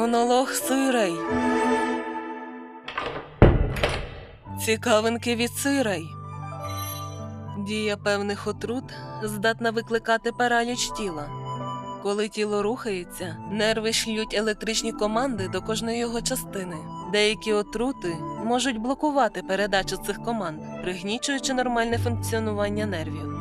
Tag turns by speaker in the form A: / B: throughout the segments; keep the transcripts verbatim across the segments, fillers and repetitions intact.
A: Монолог Суйрей. Цікавинки від Суйрей. Дія певних отрут здатна викликати параліч тіла. Коли тіло рухається, нерви шлють електричні команди до кожної його частини. Деякі отрути можуть блокувати передачу цих команд, пригнічуючи нормальне функціонування нервів.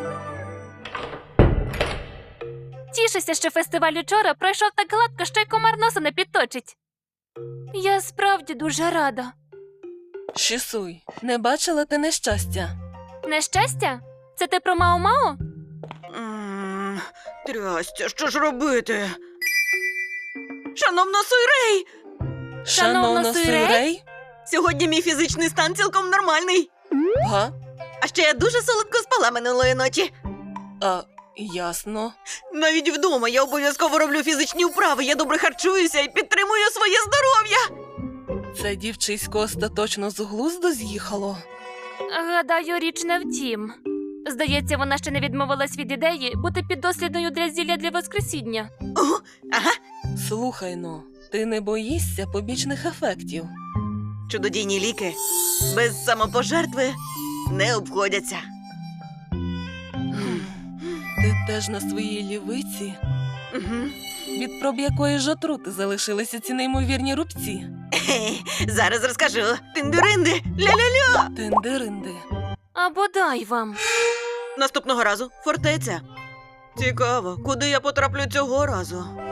B: Тішуся, що фестиваль учора пройшов так гладко, що й комар носа не підточить. Я справді дуже рада.
A: Шісуй, не бачила ти нещастя?
B: Нещастя? Це ти про Мао-Мао?
C: М, Трястя, що ж робити? Шановна Суйрей!
A: Шановна Суйрей?
C: Сьогодні мій фізичний стан цілком нормальний.
A: Га?
C: А ще я дуже солодко спала минулої ночі.
A: А, ясно.
C: Навіть вдома я обов'язково роблю фізичні вправи, я добре харчуюся і підтримую своє здоров'я.
A: Це дівчисько остаточно з глузду з'їхало.
B: Гадаю, річ не в тім. Здається, вона ще не відмовилась від ідеї бути піддослідною для зілля для Воскресіння.
C: О, ага,
A: Слухай-но, ти не боїшся побічних ефектів?
C: чудодійні ліки без самопожертви не обходяться.
A: Ти теж на своїй лівиці?
C: Угу.
A: Від проб якої ж отрути залишилися ці неймовірні рубці?
C: Зараз розкажу. Тиндиринди, ля-ля-ля.
A: Тендеринди.
B: А бодай вам.
C: Наступного разу фортеця. Цікаво, куди я потраплю цього разу?